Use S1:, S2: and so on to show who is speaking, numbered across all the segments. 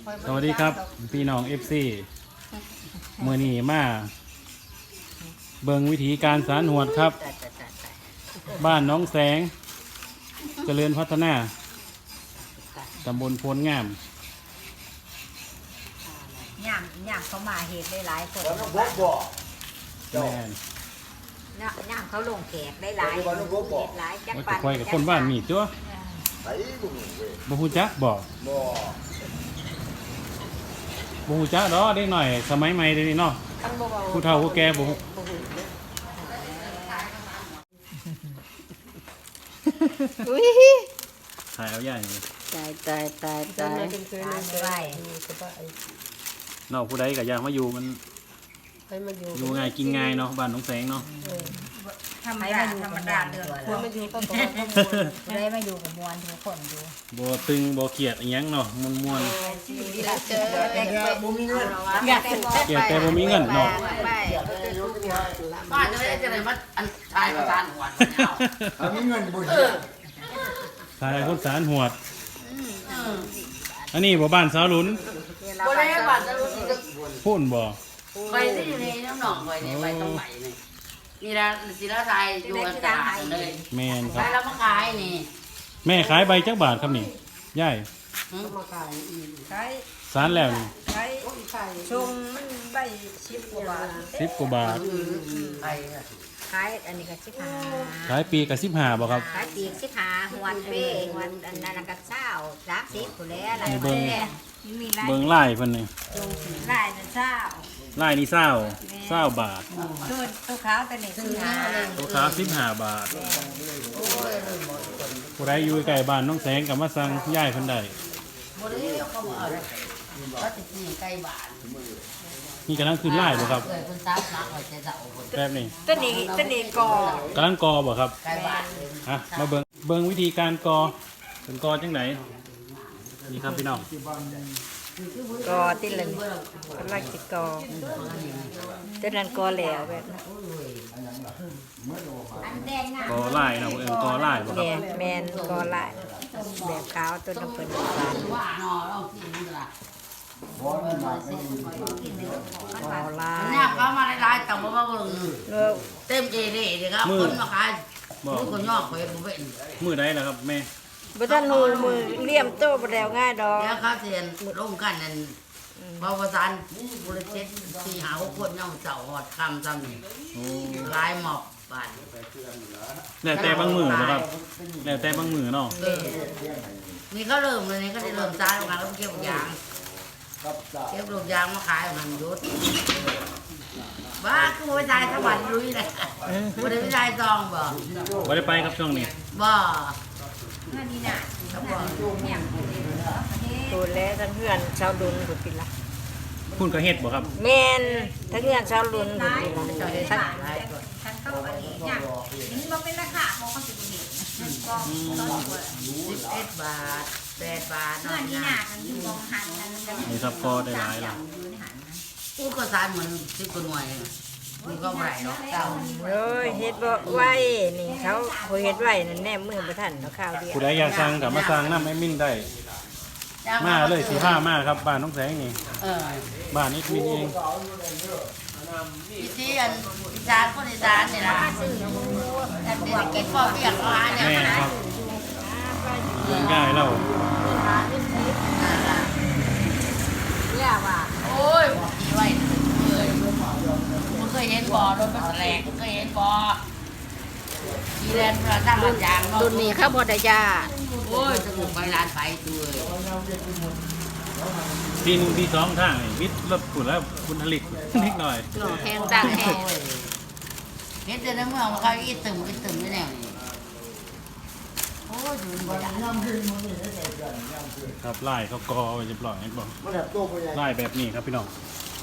S1: สวัสดีครับพี่น้อง FC มื้อนี้มาเบิ่งวิธีการสานหวดครับบ้านน้องแสงเจริญพัฒนาตำบลโพนงาม
S2: ย่างเขามาเห็ดได้หลายคน
S1: แม่น
S2: ย่างเขาลงแขกได้หลายเห็ดหลายจัก
S1: ว่า
S2: ปั
S1: จะคอยกับคนบ้านมีตัวบ่ฮู้จักบ่ฮู้จักดอกเด็กหน่อยสมัยใหม่เดี๋ยวนี้เนาะผู้เฒ่าผู้แก่บ่ฮู้ถ่ายเอาย่านี่
S2: ตายไว้
S1: เนาะผู้ใดก็อยากมาอยู่มัน
S3: ให้มันอยู่
S1: อยู่ง่ายกินง่ายเนาะบ้านน้องแสงเนาะ
S2: ธรรมดาเดือน
S3: ควรมันอยู่ก็ต้อง
S2: ได้มาอยู่กับมวลทุกคนอยู่
S1: บ่ตึงบ่เกลียดอีหยังเนาะม่วน
S2: เจอแต่บ่มีเงิน
S1: ๆเกลียดแต่บ่มีเงินเนาะ
S4: บ้านจะไม่ได้จะไหนมาอันชายประธานหัวเนี่ย
S5: มีเงินบุญ
S1: ทายคนสารหวดอันนี้บ่บ้านสาวหลุน
S4: บ่ได้บ้านจะรู้สึก
S1: พูนบ่
S4: ไปที่อยู่ในน้ำหนองไปเนี่ยไปตรงไหนนี่นี่ละศิลาไทยอยู่กันตาเลย
S1: แม่นค
S4: ไป
S1: รับ
S4: แล้วมาขายนี่
S1: แม่ขายใบจักบาทครับนี่ยาย
S3: มาขายอีก
S2: ใช้
S1: สารแล้วนี่
S2: ใช้
S3: ไข่
S2: ชงมันใบ10กว่าบาท
S1: 10กว่าบาท
S4: ไป
S2: ขายอันนี้ก็15
S1: ขายปีก็15บ่ครับ
S2: ขายปีก15หวดเป้หวดอันนั้นก็20 30พุ่นแล้วอะไร
S1: นี่เบิ่ง
S2: มีหลาย
S1: เบิ่งลายเพิ่นนี่
S2: หลายนั่นเช้า
S1: ลายนี่20บาท
S2: ตัวขาวตัวนี้15
S1: ตัวขาว15บาทผู้ใดอยู่ใกล้บ้านน้องแสงก็มาสั่งยายเพิ่นได้
S4: บ่ได้เขาบอกเขาติดนี่ใกล้บ้าน
S1: นี่กำลังขึ้นลายบ่ครับ
S4: เคยคนซับนักไว้ใจเจ้าคน
S1: แบบนี้
S2: ตัวนี้ก่อก
S1: ำลังกอบ่ครับ
S4: ใกล้บ้าน
S1: ฮะมาเบิ่งวิธีการกอเป็นกอจังไหนนี่ครับพี่น้อง
S2: กอติละนี่กำลังสิกอตัวนั้นกอแล้วแบบนั้น
S1: กอลายเนาะเอิ้นกอลายบ่ครับ
S2: เนี่ยแมนกอลายแบบขาวตัวน้ำเพิ่น
S4: ว่าเนาะเรากินนี่ล่ะ
S2: กอลาย
S4: เนี่ยเขามาหลายๆแต่ว่าบ่เบิ่ง
S2: เลิก
S4: เต็มเจดีย์เด้ครับคนมาขาย
S1: บ่
S4: ลูกคนย่อข่อยบ่เป็น
S1: มื้อใดล่ะครับแม่
S2: บ่ทันหูมือเลี่ยมโตบ่แล้วง่ายดอก
S4: แล้วเขาเสียนลงกันนั่นบาวสารบุรเจ็ดสี่หา6คนย่องเจ้าหอดคำซ้ำนี่
S1: โอ้
S4: หลายหมอบบ้าน
S1: แล้วแต่บางมื้อบ่ครับแล้วแต่บางมื้อเนาะ
S4: นี่ก็เริ่มเลยนี่ก็ได้เริ่มจ้างมาแล้วเก็บลูกยางเก็บลูกยางมาขายมันยุดบ้าคือไปทายสวรรค์ลุยเลยบ่ได้ไปทายซองบ่
S1: บ่ได้ไปครับช่วงนี้
S4: บ่
S2: นี่น่ะเขาบอกเนี่ยตัวแล้วทั้งเพื่อนชาวดุนพุ่นปิละ
S1: คุณก็เฮ็ดบ่ครับ
S2: แม่นทั้งเพื่อนชาวดุนพุ่นปิละ
S4: เจ้าได้
S2: ทั้ง
S4: หลายคน
S6: ฉันเข้าอันนี้อย่างนี้มันเป็นราคาเพราะเขาสิบเห็นก็
S4: 11 บาท8 บาท
S6: เงินที่หนากันอยู่มองหันกัน
S1: นี่ครับก็ได้หลายแล้ว
S6: อยู่ในหันนะ
S4: กูก็สายเหมือน10คนหน่วยมันก็บ่ได้เนาะเจ้า
S2: โอ้ยเฮ็ดบ่ไหวนี่เขาบ่เฮ็ดไหวนั่นแน่มือบ่ทันเนาะข้าวเดียว
S1: ผู้ใดอยากสั่งก็มาสั่งนำแอดมินได้มาเลยสิพามาครับบ้านน้องแสงนี่
S4: เออ
S1: บ้านนี้มีเอง
S4: พี่ที่อันอีสานคนอีสานนี่ล่ะแต่เด็กกินพ่อเปียกเขาหาเนี่ย
S1: แม่ครับเรื่องง่ายแล้ว
S2: ย่าว่า
S4: โอ้ยดีไว้เลยมึงเคยเห็นบ่อรถมันแหลกมึงเคยเห็นบ่อกีแลนด์ประทังยางเนาะ
S2: รุ่นนี้เขาบ่ได้ย่า
S4: โอ้ยสนุกไปร้านไปตัว
S1: ปีหนึ่งปีสองทางนี่มิดรถฝุ่นแล้วคุณผลิตนิดหน่อย
S2: หล่อแพงดังแฮง
S4: เห็นแต่ในเมืองมันเขาอีตึมไม่แน่นี่โอ้ยดูบ่ได้
S1: ครับไล่เขากอไว้เรียบร้อยให้บอก
S5: มันแบบโตไปใหญ่
S1: ไล่แบบนี้ครับพี่น้อง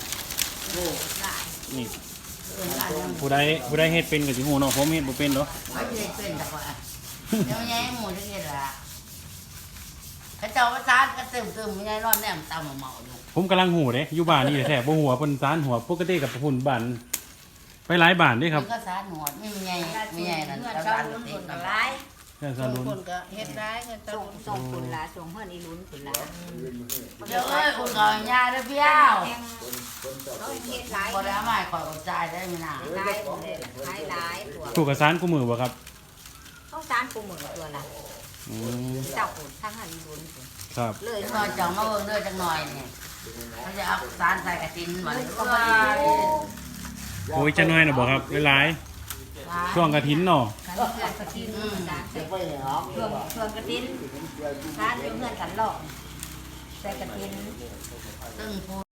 S1: นี่
S4: เอิ้นร้านยัง
S1: ผู้ใดเฮ็ดเป็นกับสิหูเนาะผมเฮ็ดบ่เป็นเนาะ
S4: ไม่ได้เป็นแต่ว่าเดี๋ยวแย่หมูจะเห็นละเขาเจ้าประสานก็ตึมไม่ได้นอนแนมตามเมาอยู่
S1: ผมกำลังหูเด้อยู่บ้านนี่แท้บ่หัวเพิ่นสารหัวปกติกับพุ่นบ้านไปหลายบ้านเด้ครับ
S4: มันก็สารหนวดไม่มีใหญ่นั่น
S2: เงิน
S4: สา
S2: ชาว
S4: ร
S2: ดุน
S4: ติ
S2: พุ่
S4: ด
S2: น
S4: กั
S2: ก็
S4: น
S2: หลาย
S1: แค่สารุน
S3: คนก็เฮ็ดได้เงิน
S2: ส่งพุ่นล่ะส่งเฮือนอีหลุนพุ่นล่ะ
S4: เดี๋ยวเอ้ยอุ่นก่อนยาเด้อเปี้ยว
S6: เขาเฮ็ดหลาย
S4: พอแล้วไม่ขอยกับใจได้ไหมนะ
S6: หลายหลายตัว
S1: ผูกกับสารกูมือบ่ครับ
S6: เขาสารปูหมึกตัวละ
S1: อืม
S6: เจ้าปูทั้งหันบุญ
S1: ครับ
S6: เลย
S4: หน่อยจังมาเบิ่งเด้อจังหน่อยนี่เขาจะเอาสารใส่กระตินเหมือนก็มา
S1: โอ้ยจะน้อยนะบ่ครับหลายๆช่วงกระถินเนาะ
S6: กันเพื่อนกระตินสารใส่ช่วงกระตินสารเพื่อนกันหลอกใส่กระติน
S4: ซึ่งผู้